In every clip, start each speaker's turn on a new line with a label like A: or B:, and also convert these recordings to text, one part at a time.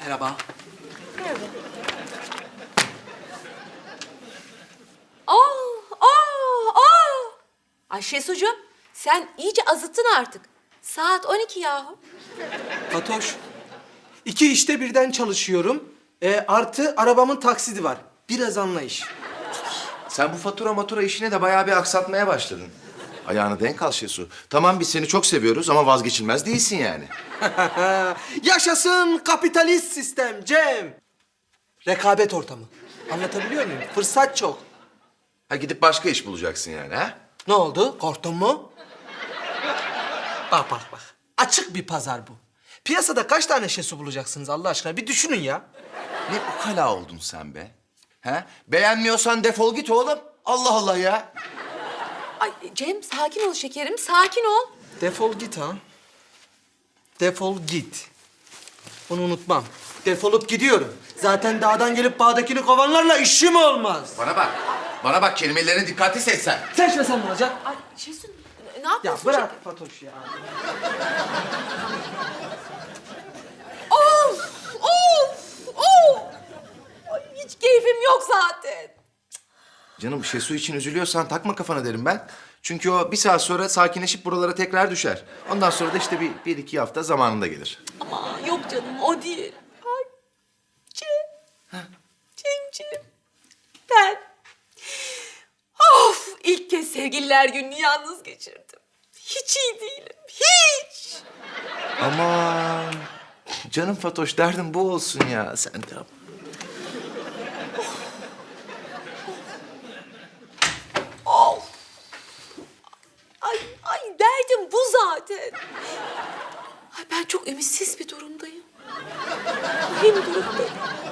A: Merhaba.
B: Merhaba.
C: Ay Şesucuğum, sen iyice azıttın artık. Saat 12 yahu.
A: Fatoş. 2 işte birden çalışıyorum. Artı arabamın taksidi var. Biraz anlayış.
D: Sen bu fatura işine de bayağı bir aksatmaya başladın. Ayağını denk al Şesu. Tamam biz seni çok seviyoruz ama vazgeçilmez değilsin yani.
A: Yaşasın kapitalist sistem Cem. Rekabet ortamı. Anlatabiliyor muyum? Fırsat çok.
D: Ha gidip başka iş bulacaksın yani ha?
A: Ne oldu? Korktun mu? Bak bak bak. Açık bir pazar bu. Piyasada kaç tane şesu bulacaksınız Allah aşkına? Bir düşünün ya.
D: Ne ukala oldun sen be? Ha? Beğenmiyorsan defol git oğlum. Allah Allah ya.
C: Ay Cem, sakin ol şekerim, sakin ol.
A: Defol git ha. Defol git. Bunu unutmam. Defolup gidiyorum. Zaten dağdan gelip bağdakini kovanlarla işim olmaz.
D: Bana bak kelimelerini dikkatli seçsen.
A: Seçmesen ne olacak?
C: Ay Şesu, ne
A: Ya
C: yapıyorsun?
A: bırak Fatoş ya.
C: Of, of, of. Ay, hiç keyfim yok zaten.
D: Canım Şesu için üzülüyorsan takma kafana derim ben. Çünkü o bir saat sonra sakinleşip buralara tekrar düşer. Ondan sonra da işte bir iki hafta zamanında gelir.
C: Ama yok canım, o değil. Ay, Cem, Cemciğim, ben... Of, ilk kez sevgililer gününü yalnız geçirdim. Hiç iyi değilim, hiç.
D: Aman canım Fatoş derdin bu olsun ya sen de.
C: Of. Ay derdim bu zaten. Ay ben çok ümitsiz bir durumdayım. Mühim durumdayım.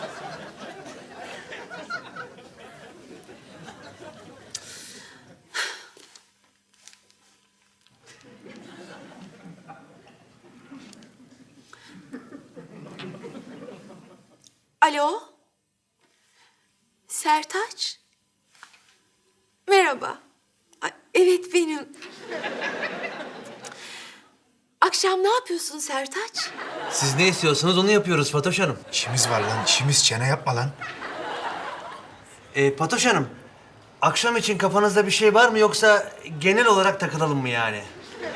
C: Alo? Sertaç? Merhaba. Ay, evet benim. Akşam ne yapıyorsun Sertaç?
E: Siz ne istiyorsanız onu yapıyoruz Fatoş Hanım.
F: İşimiz var lan, işimiz. Çene yapma lan.
E: Fatoş Hanım, akşam için kafanızda bir şey var mı yoksa genel olarak takılalım mı yani?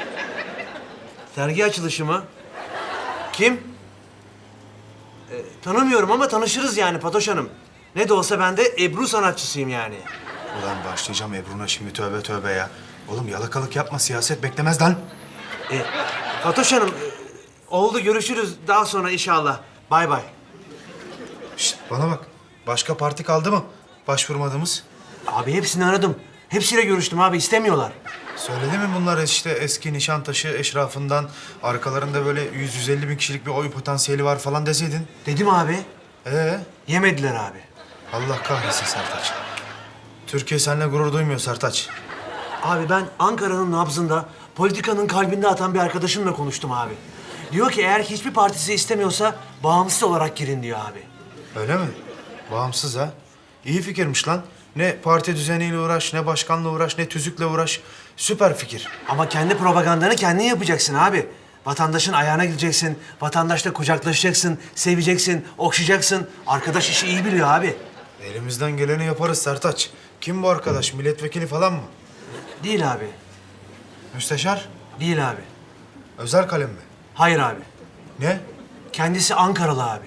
E: Sergi açılışı mı? Kim? Tanımıyorum ama tanışırız yani Fatoş Hanım. Ne de olsa ben de Ebru sanatçısıyım yani.
F: Ulan başlayacağım Ebru'na şimdi, tövbe tövbe ya. Oğlum yalakalık yapma, siyaset beklemez lan.
E: Fatoş Hanım, oldu görüşürüz daha sonra inşallah. Bay bay.
F: Şişt, bana bak. Başka parti kaldı mı başvurmadığımız?
E: Abi hepsini aradım. Hepsiyle görüştüm abi, istemiyorlar.
F: Söyledi mi bunlar işte eski Nişantaşı eşrafından arkalarında böyle 100-150 bin kişilik bir oy potansiyeli var falan deseydin?
E: Dedim abi,
F: Yemediler
E: abi.
F: Allah kahretsin Sertaç. Türkiye seninle gurur duymuyor Sertaç.
E: Abi ben Ankara'nın nabzında, politikanın kalbinde atan bir arkadaşımla konuştum abi. Diyor ki eğer hiçbir partisi istemiyorsa bağımsız olarak girin diyor abi.
F: Öyle mi? Bağımsız ha. İyi fikirmiş lan. Ne parti düzeniyle uğraş, ne başkanla uğraş, ne tüzükle uğraş. Süper fikir.
E: Ama kendi propagandanı kendin yapacaksın abi. Vatandaşın ayağına gideceksin, vatandaşla kucaklaşacaksın, seveceksin, okşayacaksın. Arkadaş işi iyi biliyor abi.
F: Elimizden geleni yaparız Sertaç. Kim bu arkadaş? Milletvekili falan mı?
E: Değil abi,
F: Müsteşar?
E: değil abi.
F: Özel kalem mi?
E: Hayır abi.
F: Ne?
E: Kendisi Ankaralı abi.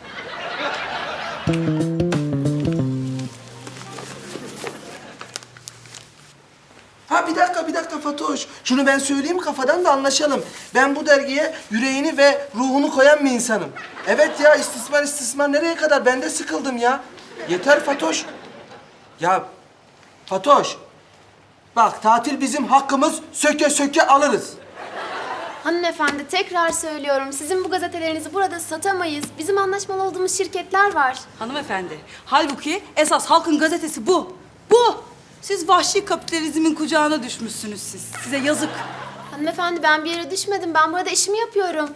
A: Ha bir dakika Fatoş. Şunu ben söyleyeyim kafadan da anlaşalım. Ben bu dergiye yüreğini ve ruhunu koyan bir insanım. Evet ya istismar nereye kadar? Ben de sıkıldım ya. Yeter Fatoş. Ya Fatoş. Bak tatil bizim hakkımız, söke söke alırız.
B: Hanımefendi tekrar söylüyorum. Sizin bu gazetelerinizi burada satamayız. Bizim anlaşmalı olduğumuz şirketler var.
G: Hanımefendi, halbuki esas halkın gazetesi bu. Bu! Siz vahşi kapitalizmin kucağına düşmüşsünüz siz. Size yazık.
B: Hanımefendi ben bir yere düşmedim. Ben burada işimi yapıyorum.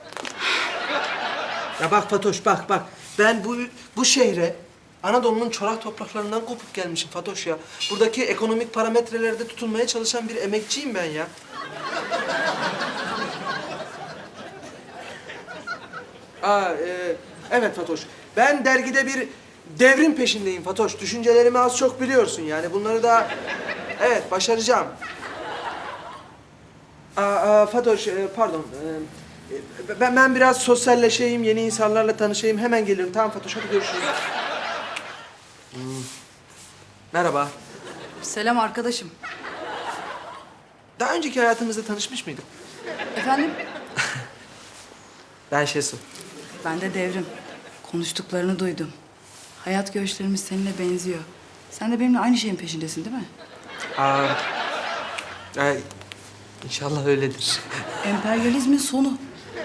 A: Ya bak Fatoş bak. Ben bu şehre Anadolu'nun çorak topraklarından kopup gelmişim Fatoş ya. Buradaki ekonomik parametrelerde tutunmaya çalışan bir emekçiyim ben ya. Evet Fatoş. Ben dergide bir devrim peşindeyim Fatoş. Düşüncelerimi az çok biliyorsun yani. Bunları da evet başaracağım. Fatoş pardon. Ben biraz sosyalleşeyim, yeni insanlarla tanışayım. Hemen gelirim. Tamam Fatoş, hadi görüşürüz. Merhaba.
G: Selam arkadaşım.
A: Daha önceki hayatımızda tanışmış mıydık?
G: Efendim?
A: Ben Şesu.
G: Ben de Devrim. Konuştuklarını duydum. Hayat görüşlerimiz seninle benziyor. Sen de benimle aynı şeyin peşindesin değil mi?
A: Ay, İnşallah öyledir.
G: Emperyalizmin sonu.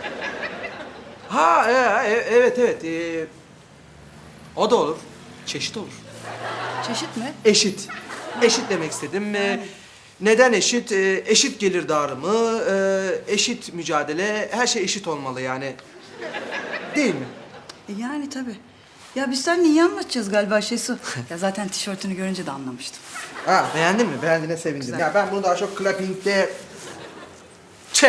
A: Ha, evet, evet. O da olur. Çeşit olur.
G: Çeşit mi?
A: Eşit. Eşit demek istedim. Neden eşit? Eşit gelir dağılımı, eşit mücadele, her şey eşit olmalı yani. Değil mi?
G: Yani tabii. Ya biz seninle iyi anlaşacağız galiba Şesu. Ya zaten tişörtünü görünce de anlamıştım.
A: Ha, beğendin mi? Beğendiğine sevindim.
G: Güzel.
A: Ya ben bunu daha çok clapping'de... Ç.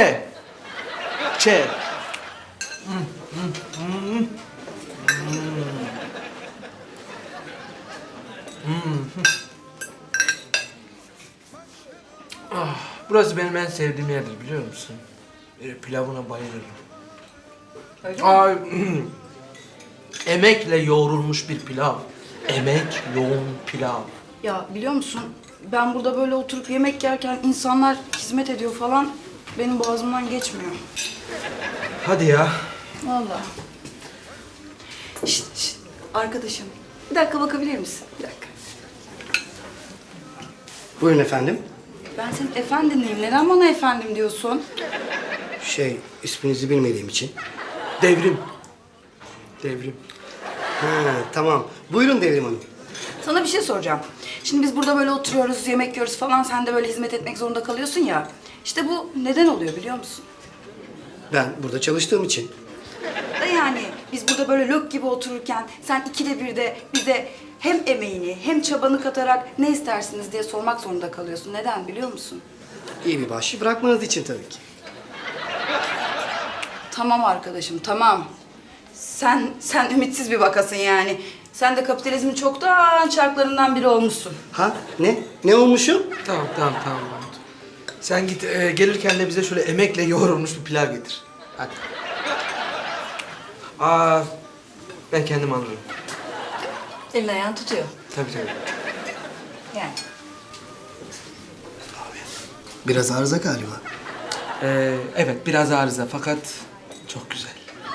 A: Burası benim en sevdiğim yerdir biliyor musun? Pilavına bayılırım. Ay, emekle yoğrulmuş bir pilav. Emek yoğun pilav.
G: Ya biliyor musun? Ben burada böyle oturup yemek yerken insanlar hizmet ediyor falan. Benim boğazımdan geçmiyor.
A: Hadi ya.
G: Vallahi. Şşt, arkadaşım. Bir dakika bakabilir misin? Bir dakika.
H: Buyurun efendim.
G: Ben senin efendinliyim. Neden bana efendim diyorsun?
H: İsminizi bilmediğim için.
A: Devrim. Devrim.
H: Ha, tamam. Buyurun Devrim Hanım.
G: Sana bir şey soracağım. Şimdi biz burada böyle oturuyoruz, yemek yiyoruz falan. Sen de böyle hizmet etmek zorunda kalıyorsun ya. İşte bu neden oluyor biliyor musun?
H: Ben burada çalıştığım için.
G: Da yani biz burada böyle lök gibi otururken sen ikide bir de bize hem emeğini hem çabanı katarak ne istersiniz diye sormak zorunda kalıyorsun. Neden biliyor musun?
H: İyi bir bahşiş bırakmanız için tabii ki.
G: Tamam arkadaşım, tamam. Sen ümitsiz bir vakasın yani. Sen de kapitalizmin çoktan çarklarından biri olmuşsun.
H: Ha? Ne? Ne olmuşum?
A: Tamam Mahmut. Sen git gelirken de bize şöyle emekle yoğrulmuş bir pilav getir. Hadi. Ben kendim alırım.
G: Elin ayağın tutuyor.
A: Tabii.
G: Yani.
H: Biraz arıza galiba.
A: Evet biraz arıza fakat çok güzel.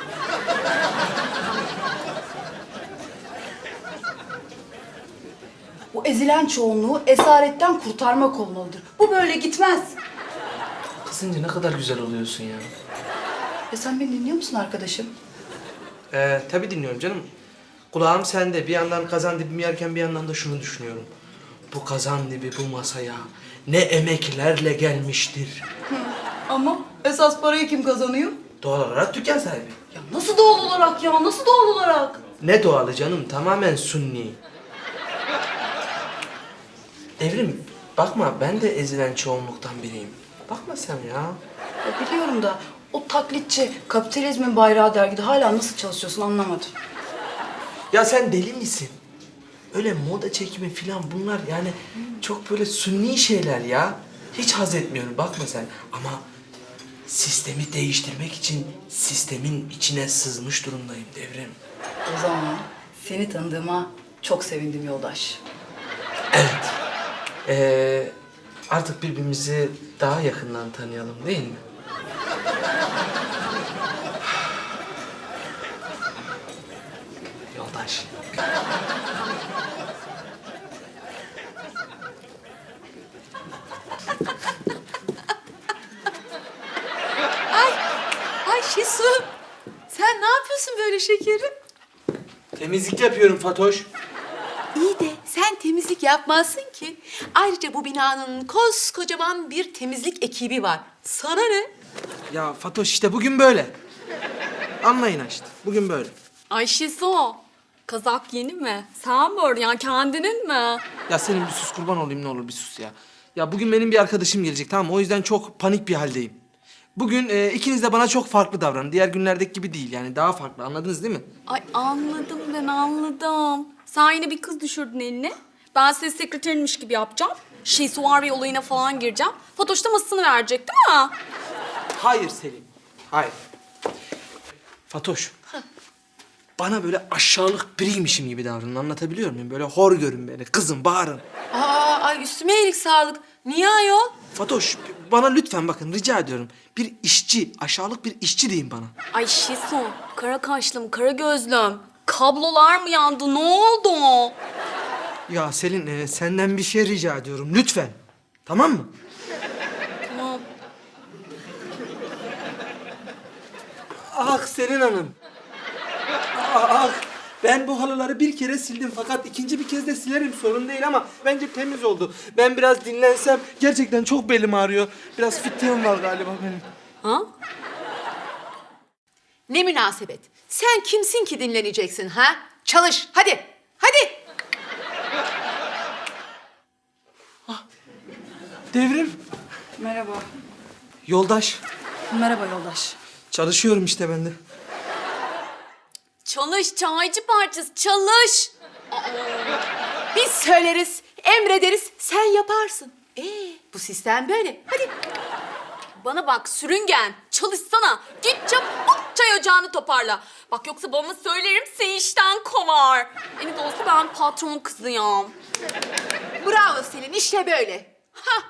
G: Bu ezilen çoğunluğu esaretten kurtarmak olmalıdır. Bu böyle gitmez.
A: Kızınca ne kadar güzel oluyorsun ya.
G: Ya sen beni dinliyor musun arkadaşım?
A: Tabii dinliyorum canım. Kulağım sende. Bir yandan kazan dibimi yerken bir yandan da şunu düşünüyorum. Bu kazan dibi bu masaya ne emeklerle gelmiştir.
G: Ama esas parayı kim kazanıyor?
A: Doğal olarak dükkan sahibi.
G: Ya nasıl doğal olarak ya? Nasıl doğal olarak?
A: Ne doğalı canım? Tamamen sunni. Devrim, bakma ben de ezilen çoğunluktan biriyim. Bakma sen ya.
G: Ya biliyorum da o taklitçi kapitalizmin bayrağı dergide hala nasıl çalışıyorsun anlamadım.
A: Ya sen deli misin? Öyle moda çekimi falan bunlar yani çok böyle sunni şeyler ya. Hiç haz etmiyorum bakma sen. Ama sistemi değiştirmek için sistemin içine sızmış durumdayım Devrim.
G: O zaman seni tanıdığıma çok sevindim yoldaş.
A: Evet. Artık birbirimizi daha yakından tanıyalım değil mi? Yoldaş.
C: Ay Şesu. Sen ne yapıyorsun böyle şekerim?
A: Temizlik yapıyorum Fatoş.
C: İyi de sen temizlik yapmazsın ki. Ayrıca bu binanın koskocaman bir temizlik ekibi var. Sana ne?
A: Ya Fatoş işte bugün böyle. Anlayın işte. Bugün böyle.
I: Ay Şizo, kazak yeni mi? Sen mi ördün ya, kendinin mi?
A: Ya senin bir sus kurban olayım ne olur bir sus ya. Ya bugün benim bir arkadaşım gelecek tamam mı? O yüzden çok panik bir haldeyim. bugün ikiniz de bana çok farklı davranın. Diğer günlerdeki gibi değil yani daha farklı. Anladınız değil mi?
I: Ay anladım ben anladım. Sen yine bir kız düşürdün eline. Ben senin sekreterinmiş gibi yapacağım. Şesuari olayına falan gireceğim. Fatoş da masasını verecek değil mi?
A: Hayır Selin. Hayır. Fatoş. Bana böyle aşağılık biriymişim gibi davranın. Anlatabiliyor muyum? Böyle hor görün beni. Kızın, bağırın.
C: Ay üstüme iyilik sağlık. Niye ayol?
A: Fatoş bana lütfen bakın rica ediyorum. Bir işçi, aşağılık bir işçi deyin bana.
I: Ay Şesu, kara kaşlım, kara gözlüm. Kablolar mı yandı? Ne oldu?
A: Ya Selin senden bir şey rica ediyorum lütfen. Tamam mı?
I: Tamam.
A: Ah Selin Hanım. Ah, ben bu halıları bir kere sildim fakat ikinci bir kez de silerim sorun değil ama bence temiz oldu. Ben biraz dinlensem gerçekten çok belim ağrıyor. Biraz fitliğim var galiba benim.
C: Ha? Ne münasebet. Sen kimsin ki dinleneceksin ha? Çalış hadi. Hadi.
A: Devrim,
G: Merhaba.
A: yoldaş.
G: Merhaba yoldaş.
A: Çalışıyorum işte ben de.
I: Çalış çaycı parçası, çalış.
C: Biz söyleriz, emrederiz, sen yaparsın. Bu sistem böyle. Hadi.
I: Bana bak sürüngen, çalışsana. Git çabuk çay ocağını toparla. Bak yoksa babama söylerim seni işten kovar. En de olsa ben patron kızıyım.
C: Bravo Selin, işte böyle. Ha.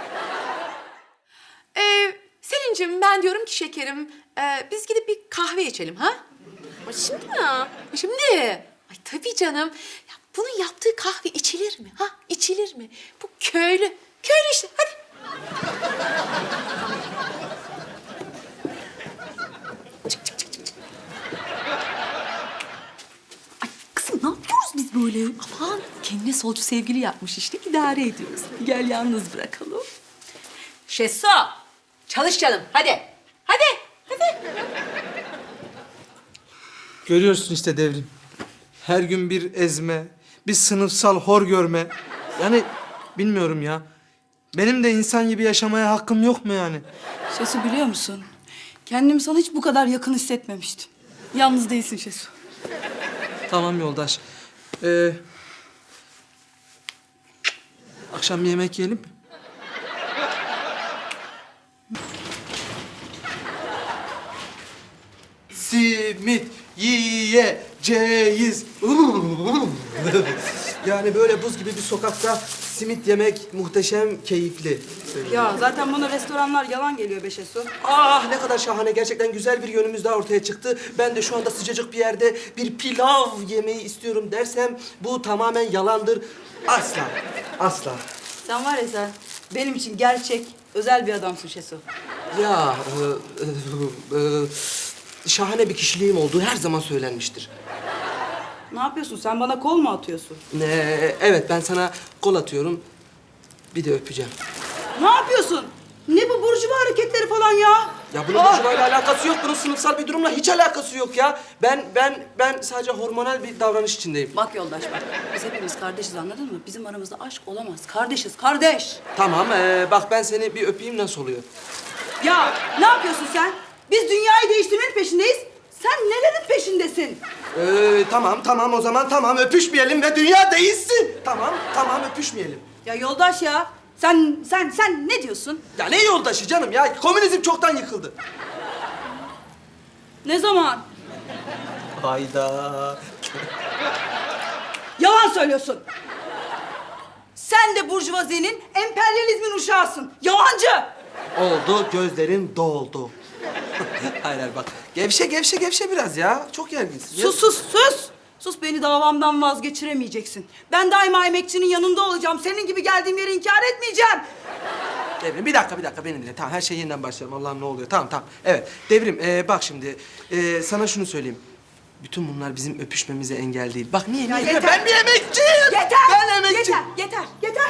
C: Selin'cim ben diyorum ki şekerim, biz gidip bir kahve içelim ha?
I: Ay şimdi mi?
C: Şimdi. Ay tabii canım. Ya bunun yaptığı kahve içilir mi? Ha? İçilir mi? Bu köylü. Köylü işte. Hadi.
I: Kızım ne yapıyoruz biz böyle?
C: Aman kendine solcu sevgili yapmış işte idare ediyoruz. Gel yalnız bırakalım. Şesu. Çalış canım. Hadi. Hadi. Hadi.
A: Görüyorsun işte Devrim. Her gün bir ezme, bir sınıfsal hor görme. Yani bilmiyorum ya. Benim de insan gibi yaşamaya hakkım yok mu yani?
G: Şesu biliyor musun? Kendimi sana hiç bu kadar yakın hissetmemiştim. Yalnız değilsin Şesu.
A: Tamam yoldaş. Akşam bir yemek yiyelim mi? Simit yiyeceğiz. Yani böyle buz gibi bir sokakta simit yemek muhteşem keyifli.
G: Ya zaten bana restoranlar yalan geliyor be Şesu.
A: Ah ne kadar şahane. Gerçekten güzel bir yönümüz daha ortaya çıktı. Ben de şu anda sıcacık bir yerde bir pilav yemeyi istiyorum dersem bu tamamen yalandır. Asla. Asla.
G: Sen var ya sen benim için gerçek, özel bir adamsın Şesu.
A: Ya şahane bir kişiliğim olduğu her zaman söylenmiştir.
G: Ne yapıyorsun? Sen bana kol mu atıyorsun?
A: Evet ben sana kol atıyorum. Bir de öpeceğim.
G: Ne yapıyorsun? Ne bu burjuva hareketleri falan ya?
A: Ya bunun burjuvayla alakası yok. Bunun sınıfsal bir durumla hiç alakası yok ya. Ben sadece hormonal bir davranış içindeyim.
G: Bak yoldaş bak. Biz hepimiz kardeşiz anladın mı? Bizim aramızda aşk olamaz. Kardeşiz, kardeş.
A: Tamam bak ben seni bir öpeyim nasıl oluyor?
G: Ya ne yapıyorsun sen? Biz dünyayı değiştirmenin peşindeyiz. Sen nelerin peşindesin?
A: Tamam o zaman tamam öpüşmeyelim ve dünya değişsin. Tamam öpüşmeyelim.
G: Ya yoldaş ya. Sen ne diyorsun?
A: Ya ne yoldaşı canım ya? Komünizm çoktan yıkıldı.
G: Ne zaman?
A: Hayda.
G: Yalan söylüyorsun. Sen de burjuvazinin, emperyalizmin uşağısın. Yalancı!
A: Oldu, gözlerin doldu. hayır bak. Gevşe biraz ya. Çok gerginsin.
G: Sus! Sus beni davamdan vazgeçiremeyeceksin. Ben daima emekçinin yanında olacağım. Senin gibi geldiğim yeri inkar etmeyeceğim.
A: Devrim bir dakika beni dinle. Tamam her şey yeniden başlayalım. Allah'ım ne oluyor? Tamam. Evet Devrim bak şimdi sana şunu söyleyeyim. Bütün bunlar bizim öpüşmemize engel değil. Bak niye?
G: yeter.
A: Ben bir emekçiyim.
G: Yeter!
A: Ben emekçiyim.
G: Yeter!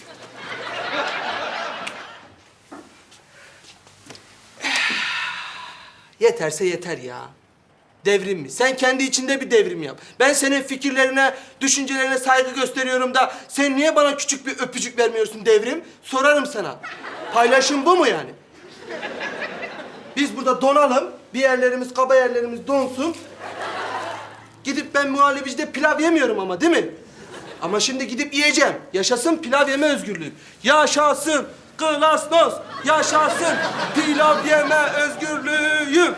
A: Yeterse yeter ya. Devrim mi? Sen kendi içinde bir devrim yap. Ben senin fikirlerine, düşüncelerine saygı gösteriyorum da sen niye bana küçük bir öpücük vermiyorsun Devrim? Sorarım sana. Paylaşım bu mu yani? Biz burada donalım. Bir yerlerimiz, kaba yerlerimiz donsun. Gidip ben muhallebicide pilav yemiyorum ama değil mi? Ama şimdi gidip yiyeceğim. Yaşasın pilav yeme özgürlüğü. Yaşasın Glasnost. Yaşasın pilav yeme özgürlüğü.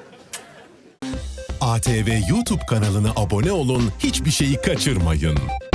J: ATV YouTube kanalına abone olun, hiçbir şeyi kaçırmayın.